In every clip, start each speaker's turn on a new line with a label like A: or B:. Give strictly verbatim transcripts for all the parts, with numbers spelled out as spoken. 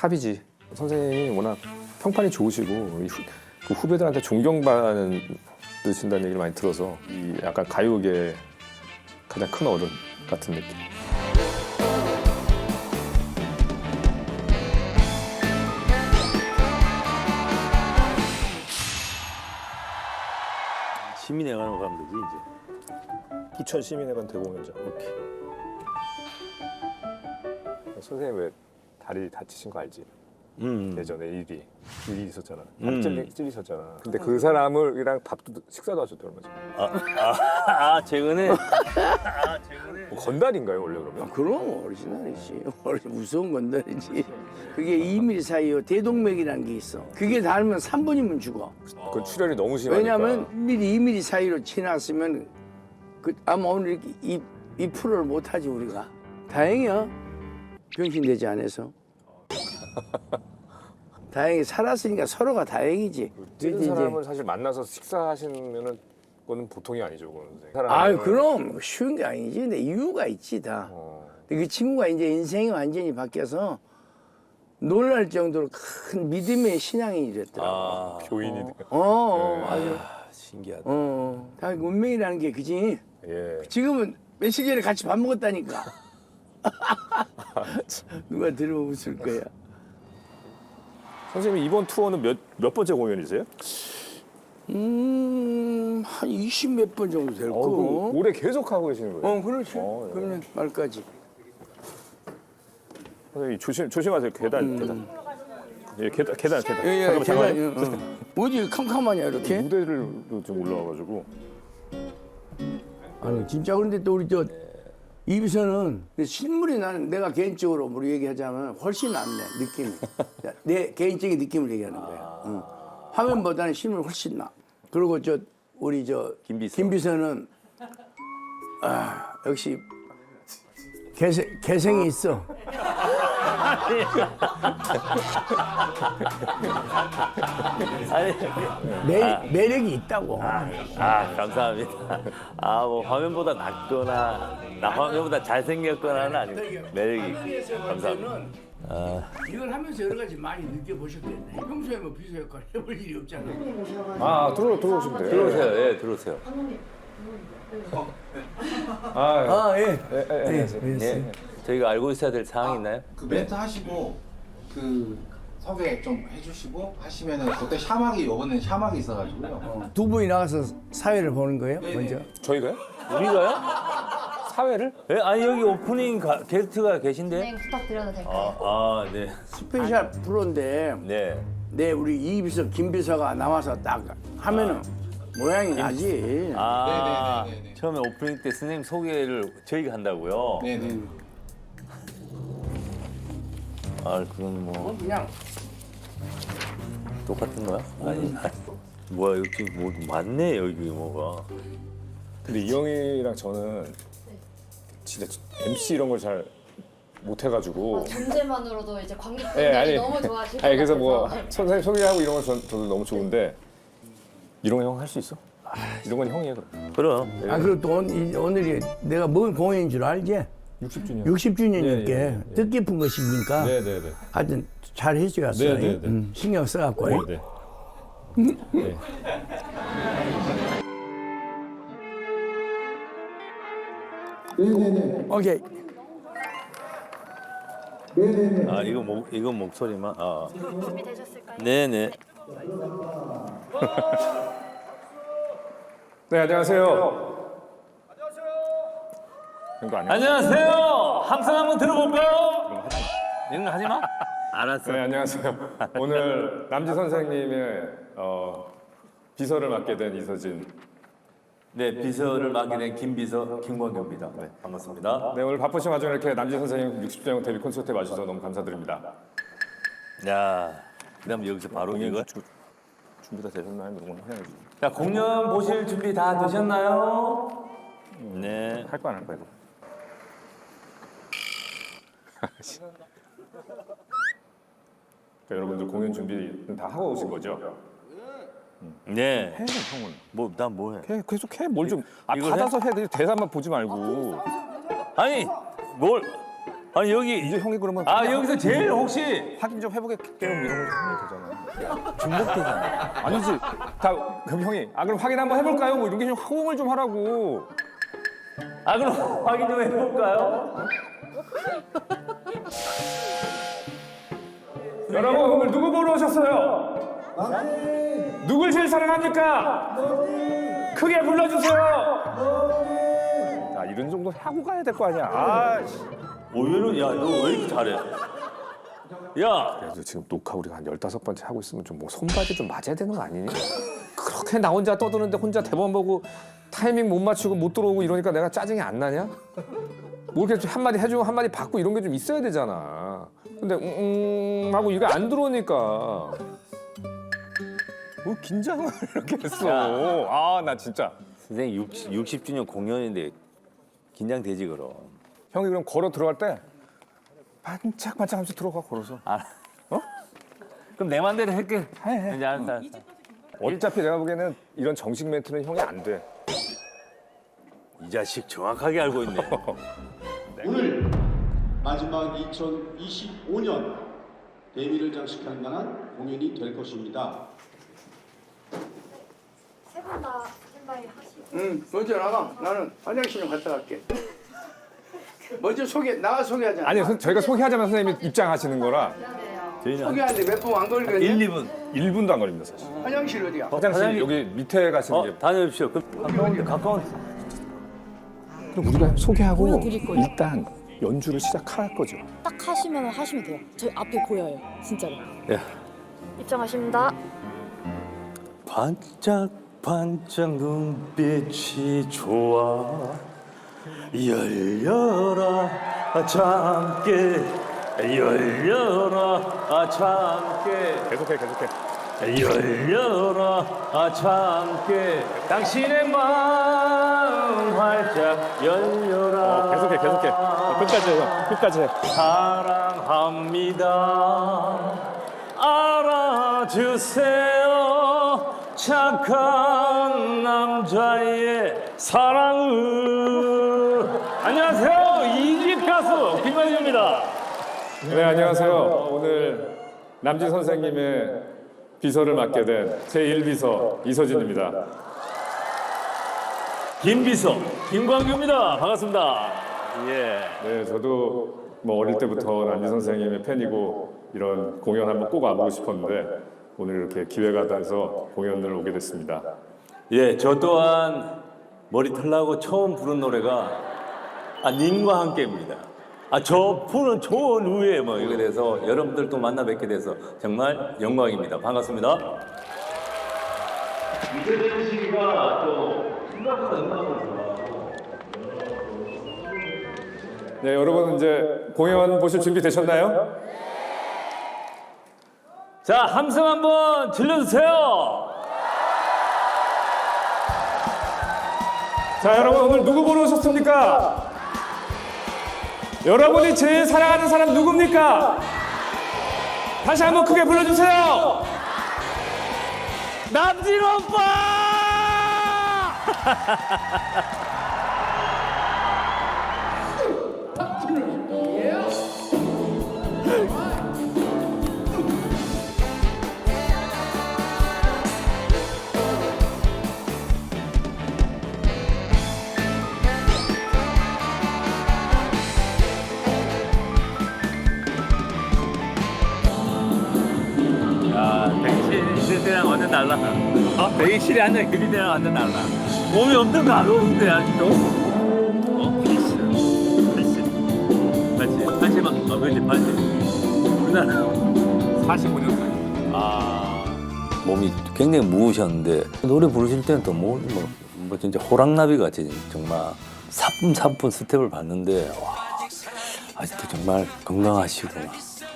A: 탑이지. 선생님이 워낙 평판이 좋으시고 이 후, 그 후배들한테 존경받으신다는 얘기를 많이 들어서 이 약간 가요계 가장 큰 어른 같은 느낌.
B: 시민회관으로 가면 되지 이제.
A: 부천 시민회관 대공연장. 오케이. 선생님 왜 다리 다치신 거 알지?
B: 음.
A: 예전에 일이 일이 있었잖아. 밥
B: 음.
A: 찔리, 찔리셨잖아. 근데 그 사람을이랑 밥도 식사도 하셨대 얼마 전에.
B: 아, 아, 아 최근에. 아 최근에.
A: 뭐 건달인가요 원래 그러면?
C: 그럼 오리지널이지. 무서운 건달이지. 그게 이 밀리미터 사이요 대동맥이라는 게 있어. 그게 닿으면 삼 분이면 죽어.
A: 그건 출혈이 너무 심하니까.
C: 왜냐하면 일 밀리미터, 이 밀리미터 사이로 지났으면 그 아마 오늘 이렇게 이, 이 프로를 못하지 우리가. 다행이야. 병신되지 않아서. 다행히 살았으니까 서로가 다행이지.
A: 찌른
C: 이제-
A: 사람을 사실 만나서 식사하시면은 그거는 보통이 아니죠, 그거는.
C: 아유 그럼 쉬운 게 아니지. 근데 이유가 있지 다.
A: 어.
C: 근데 그 친구가 이제 인생이 완전히 바뀌어서 놀랄 정도로 큰 믿음의 신앙인이 됐더라고.
B: 아
A: 교인이.
C: 어, 어, 아주.
B: 아, 신기하다.
C: 어, 다 운명이라는 게 그지.
A: 예.
C: 지금은 며칠 전에 같이 밥 먹었다니까. 누가 들으면 웃을 거야.
A: 선생님 이번 투어는 몇 몇 번째 공연이세요?
C: 음, 한 이십 몇 번 정도 될
A: 어,
C: 거.
A: 그럼 올해 계속 하고 계시는 거예요?
C: 어, 그렇지.
A: 어, 예.
C: 그러면 말까지.
A: 선생님 조심 조심하세요. 계단 계단. 예, 계단 계단 계단.
C: 예, 예,
A: 잠깐만, 잠깐만요.
C: 계단, 어. 뭐지 캄캄하냐 이렇게?
A: 무대를 좀 올라와가지고.
C: 아니 진짜 그런데 또 우리 저 이비서는 실물이 나는 내가 개인적으로 우리 얘기하자면 훨씬 낫네 느낌이. 내 개인적인 느낌을 얘기하는 거야. 응. 화면보다는 실물 훨씬 나. 그리고 저 우리 저
B: 김비서.
C: 김비서는 아 역시 개성 개성이 있어.
B: 아니,
C: 매, 매력이 있다고.
B: 아 감사합니다. 아 뭐 화면보다 낫거나 나 화면보다 잘생겼거나는 아니고 매력이. 감사합니다.
C: 이걸 하면서 여러 가지 많이 느껴보셨겠네. 평소에 뭐 비서 역할 해볼 일이 없잖아.
A: 아 들어 들어오시면 돼요.
B: 들어오세요. 예, 들어오세요.
A: 아, 예.
C: 아 예.
A: 예, 예, 예, 안녕하세요.
B: 예. 저희가 알고 있어야 될 사항이 있나요?
D: 그 멘트 하시고 그 소개 좀 해주시고 하시면은 그때 샤막이 요번에 샤막이 있어가지고요.
C: 두 분이 나가서 사회를 보는 거예요? 먼저.
A: 저희가요?
B: 우리가요?
A: 사회를?
B: 예, 아니 여기 오프닝 가, 게스트가 계신데.
E: 진행 부탁드려도 될까요?
B: 아, 아 네.
C: 스페셜 프로인데
B: 네.
C: 내 우리 이비서 김비서가 나와서 딱 하면은 모양이 나지.
B: 아,
D: 네네네네네.
B: 처음에 오프닝 때 선생님 소개를 저희가 한다고요?
D: 네네.
B: 아, 그건 뭐
C: 그냥
B: 똑같은 거야? 아니, 아니. 뭐야 여기 뭐 많네 여기 뭐가.
A: 근데 이 형이랑 저는 진짜 엠씨 이런 걸 잘 못해가지고.
E: 아, 존재만으로도 이제 관객분들이
A: 예, 아니,
E: 너무 좋아하실 것
A: 아니 그래서 뭐
E: 같아서.
A: 선생님 소개하고 이런 건 전, 저도 너무 좋은데 이런 거 형 할 수 있어? 이런 건 형이에요 그럼.
B: 그럼.
C: 아 그리고 또 오늘, 오늘이 내가 뭔 공연인 줄 알지?
A: 육십 주년.
C: 육십 주년이니까
A: 예, 예, 예.
C: 뜻깊은 것이니까
A: 네네네.
C: 하여튼 잘 해줘갔어.
A: 네, 네, 네.
C: 음, 신경 써갖고.
A: 네. 네.
C: 오케이.
B: 아 이거 목 이거 목소리만. 아.
E: 준비되셨을까요?
B: 네네.
A: 네 안녕하세요. 안녕하세요. 이거 아니야?
B: 안녕하세요. 함성 한번 들어볼까요? 이런 거 하지 마. 알았어.
A: 네 안녕하세요. 오늘 남지 선생님의 어, 비서를 맡게 된 이서진.
B: 네 비서를 맡게 된 김비서 김광규입니다. 네 반갑습니다.
A: 네 오늘 바쁘신 와중에 이렇게 남지 선생님 육십 주년 데뷔 콘서트에 와주셔서 너무 감사드립니다.
B: 야, 그다음 여기서 바로 이거.
A: 주- 준비 다 되셨나요? 이런 건 해야지.
B: 자 공연 보실 준비 다 되셨나요? 네.
A: 할 거 안 할 거야 이거. 그러니까 여러분들 공연 준비 다 하고 오신 거죠?
B: 네.
A: 해 형은.
B: 뭐 난 뭐 해?
A: 해 계속 해 뭘 좀. 아
B: 이거
A: 받아서 해. 대사만 보지 말고.
B: 아니 뭘 아니 여기
A: 이제 형이 그러면
B: 아 여기서 제일 혹시
A: 확인 좀 해보겠게요 이런 거 하면 되잖아. 중복되잖아. 아니지. 다 그럼 형이 아 그럼 확인 한번 해볼까요? 뭐 이런 게 좀 호응을 좀 하라고.
B: 아 그럼 확인 좀 해볼까요?
A: 여러분 오늘 누구 보러 오셨어요? 누굴 제일 사랑합니까? 크게 불러주세요. 자 이런 정도 하고 가야 될 거 아니야. 아, 씨.
B: 오히려 야너 왜 이렇게 잘해? 야
A: 그래도 지금 녹화 우리가 한 열다섯 번째 하고 있으면 좀 뭐 손바지 좀 맞아야 되는 거 아니니? 그렇게 나 혼자 떠드는데 혼자 대본 보고 타이밍 못 맞추고 못 들어오고 이러니까 내가 짜증이 안 나냐? 뭐 이렇게 좀 한마디 해주고 한마디 받고 이런 게 좀 있어야 되잖아. 근데 음, 음 하고 이거 안 들어오니까 뭐 긴장을 이렇게 했어. 아 나 진짜.
B: 선생님 육십, 육십 주년 공연인데 긴장되지 그럼.
A: 형이 그럼 걸어 들어갈 때 반짝반짝하면서 들어가 걸어서.
B: 아 어? 그럼 내 맘대로 할게.
A: 해, 해.
B: 이제 알았어, 알았어.
A: 어차피 내가 보기에는 이런 정식 멘트는 형이 안 돼.
B: 이 자식 정확하게 알고 있네.
F: 오늘 마지막 이천이십오 년 대미를 장식할 만한 공연이 될 것입니다.
E: 세 분 다 스탠바이 하시고.
C: 응, 먼저 나가. 나는 화장실 좀 갔다 갈게. 먼저 소개, 나가 소개하자.
A: 아니 선- 저희가 소개하자면 선생님이 입장하시는 거라
B: 저희는
C: 소개하는데 몇 분 안 걸리거든요.
B: 일, 이 분.
A: 일 분도 안 걸립니다 사실.
C: 화장실 어디야?
A: 화장실
B: 화장실-
A: 여기 밑에 가시는
B: 어
A: 게.
B: 다녀오십시오. 그럼 가까운 가까운.
A: 그럼 우리가 소개하고
G: 보여드릴 거예요.
A: 일단 연주를 시작할 거죠.
G: 딱 하시면 하시면 돼요. 저희 앞에 보여요. 진짜로.
B: 야
E: 입장하십니다.
B: 반짝반짝 눈빛이 좋아 열려라 참깨 열려라 참깨
A: 계속해 계속해.
B: 열려라 참깨 당신의 마음 활짝 열려라
A: 어, 계속해 계속해. 어, 끝까지 해 형. 끝까지 해.
B: 사랑합니다 알아주세요 착한 남자의 사랑을 안녕하세요 이집 가수 김광규입니다.
A: 네 안녕하세요. 오늘 남진 선생님의 비서를 맡게 된 제일 비서 이서진입니다.
B: 김비서 김광규입니다. 반갑습니다. 예.
A: 네 저도 뭐 어릴 때부터 남진 선생님의 팬이고 이런 공연 한번 꼭 와보고 싶었는데 오늘 이렇게 기회가 돼서 공연을 오게 됐습니다.
B: 예, 저 또한 머리 털나고 처음 부른 노래가 아 님과 함께입니다. 아 저 푸는 좋은 우에 뭐 이렇게 돼서 여러분들 또 만나 뵙게 돼서 정말 영광입니다. 반갑습니다. 이재명 씨가 또 생각보다 음악을
A: 네 여러분 이제 공연 보실 준비 되셨나요?
B: 자 함성 한번 질러주세요.
A: 자 여러분 오늘 누구 보러 오셨습니까? 여러분이 제일 사랑하는 사람 누굽니까? 다시 한번 크게 불러주세요.
B: 남진 오빠! 백신 있을 때랑 완전 달라. 어? 백신이 아니라 그리 때랑 완전 달라. 몸이 엄청 가벼운데 아직도. 어? 필수. 필수. 팔십. 팔십. 어, 그렇지. 팔십. 우리나라 사십오 년 차. 아. 몸이 굉장히 무우셨는데 노래 부르실 때는 또 뭐, 뭐, 뭐 진짜 호랑나비 같이 정말 사뿐사뿐 스텝을 봤는데 와, 아직도 정말 건강하시구나.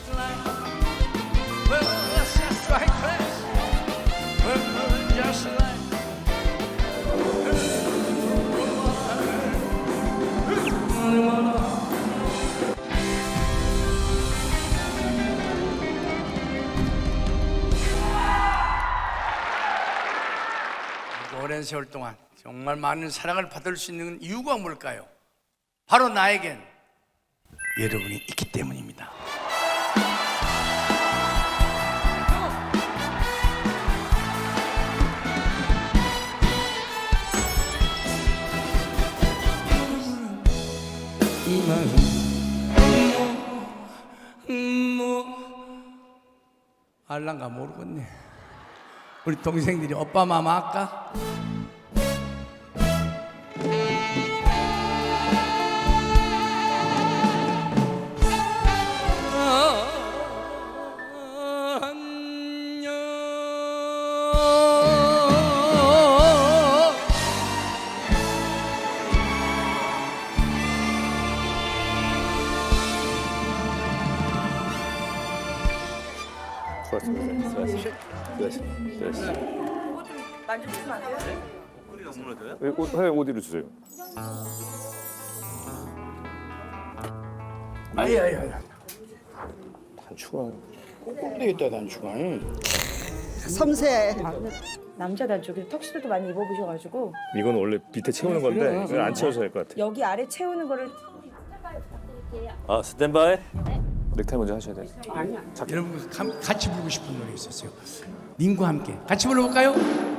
C: 오랜 세월 동안 정말 많은 사랑을 받을 수 있는 이유가 뭘까요? 바로 나에겐 여러분이 있기 때문입니다. 이 마음 뭐, 뭐 알란가 모르겠네. 우리 동생들이 오빠 마마 할까?
B: 수고하셨습니다. 수고하셨습니다. 수고하셨습니다. 수고하셨습니다.
E: 만져주시면 안 돼요?
B: 꼬리가 무너져요?
A: 왜 옷, 왜 어디로 주세요?
C: 아야야야.
A: 단추가
C: 되겠다 단추가.
H: 섬세.
G: 남자 단쪽에 턱시도도 많이 입어보셔가지고
A: 이건 원래 밑에 채우는 건데 이건 안 채워서 될 것 같아.
G: 여기 아래 채우는 거를
B: 아 스탠바이.
A: 넥타이 먼저 하셔야 돼.
C: 여러분 가- 같이 부르고 싶은 노래 있었어요. 님과 함께 같이 불러볼까요?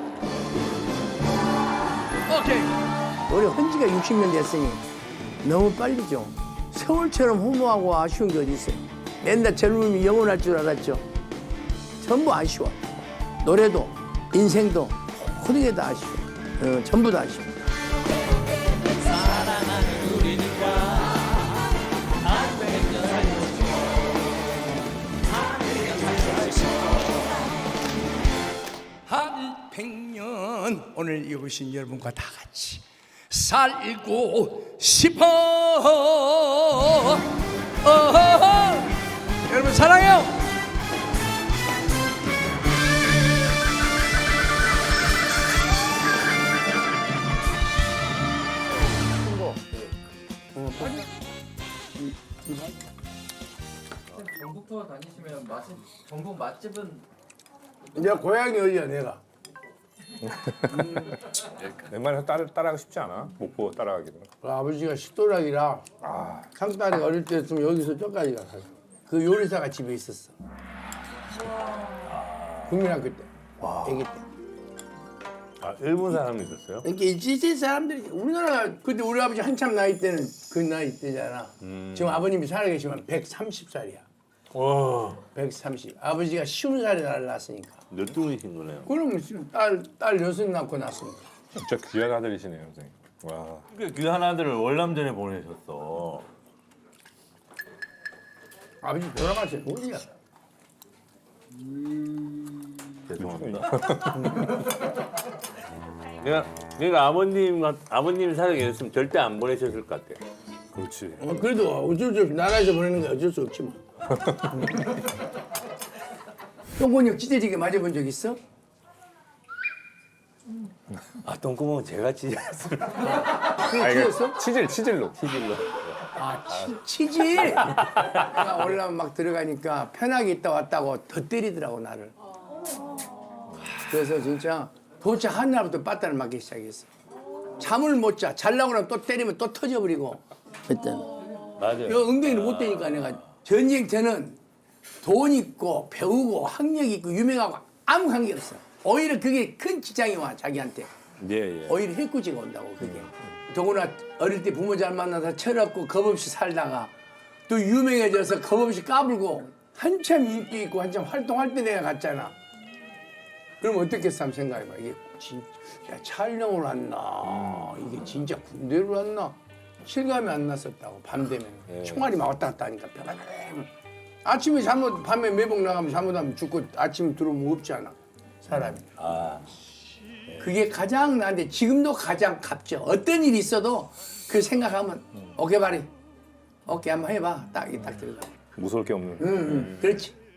C: 오케이. 우리 헌지가 육십 년 됐으니 너무 빨리죠. 세월처럼 허무하고 아쉬운 게 어디 있어요? 맨날 젊음이 영원할 줄 알았죠. 전부 아쉬워. 노래도 인생도 모든 게 다 아쉬워. 어, 전부 다 아쉬워. 한 백년 오늘 여기 오신 여러분과 다 같이 살고 싶어. 어허허. 여러분 사랑해요.
I: 전국 투어 다니시면 맛집 전국 맛집은
C: 내가 고향이 어디야 내가?
A: 웬만해서 따라 따라가고 싶지 않아. 목보 따라가기도.
C: 그 아버지가 식도락이라 상딸이 어릴 때쯤 여기서 저까지 가서 그 요리사가 집에 있었어. 국민학교 때, 아기 때.
B: 아 일본 사람이 있었어요?
C: 이렇게 일제 사람들이 우리나라 그때 우리 아버지 한참 나이 때는 그 나이 때잖아. 지금 아버님이 살아계시면 백삼십 살이야.
B: 와
C: 백삼십. 아버지가 쉬운 살에 나를 낳았으니까.
B: 몇둥이신 거네요.
C: 그럼 지금 딸, 딸 여섯 낳고 낳았으니까.
A: 진짜 귀한 아들이시네요, 선생님. 와.
B: 그 귀한 아들을 월남전에 보내셨어.
C: 아버지 돌아가셨어. 어디야?
B: 죄송합니다. 내가 내가 아버님 아버님 살아계셨으면 절대 안 보내셨을 것 같아.
A: 그렇지.
C: 어, 그래도 어쩔 수 없이 나라에서 보내는 게 어쩔 수 없지 뭐. 똥곤역 찢어지게 맞아본 적 있어?
B: 아 똥구멍 제가 찢었어요.
C: 그게 찢었어?
A: 치질, 치질로.
B: 치질로.
C: 아, 치, 치질! 내가 올라면 막 들어가니까 편하게 있다 왔다고 더 때리더라고, 나를. 그래서 진짜 도착한 날부터 빠따를 맞기 시작했어. 잠을 못 자. 자려고 하면 또 때리면 또 터져버리고. 그때는.
B: 맞아요.
C: 이 엉덩이를 못 대니까 내가 전쟁 때는 돈 있고 배우고 학력 있고 유명하고 아무 관계 없어. 오히려 그게 큰 지장이 와, 자기한테.
B: 예 예.
C: 오히려 해코지가 온다고 그게. 더구나 어릴 때 부모 잘 만나서 철없고 겁없이 살다가 또 유명해져서 겁없이 까불고 한참 인기 있고 한참 활동할 때 내가 갔잖아. 그럼 어떻겠어 한번 생각해봐. 이게 진짜 야, 촬영을 왔나 이게 진짜 군대를 왔나 실감이 안 났었다고. 밤 되면 총알이 막 왔다 갔다 하니까 편하게. 아침에 잘못 밤에 매복 나가면 잘못하면 죽고 아침에 들어오면 없잖아 사람이.
B: 아
C: 그게 가장 나한테 지금도 가장 값져. 어떤 일이 있어도 그 생각하면 오케이 바리 오케이 한번 해봐. 딱 이 딱 들어가.
A: 무서울 게 없는.
C: 응, 응. 그렇지.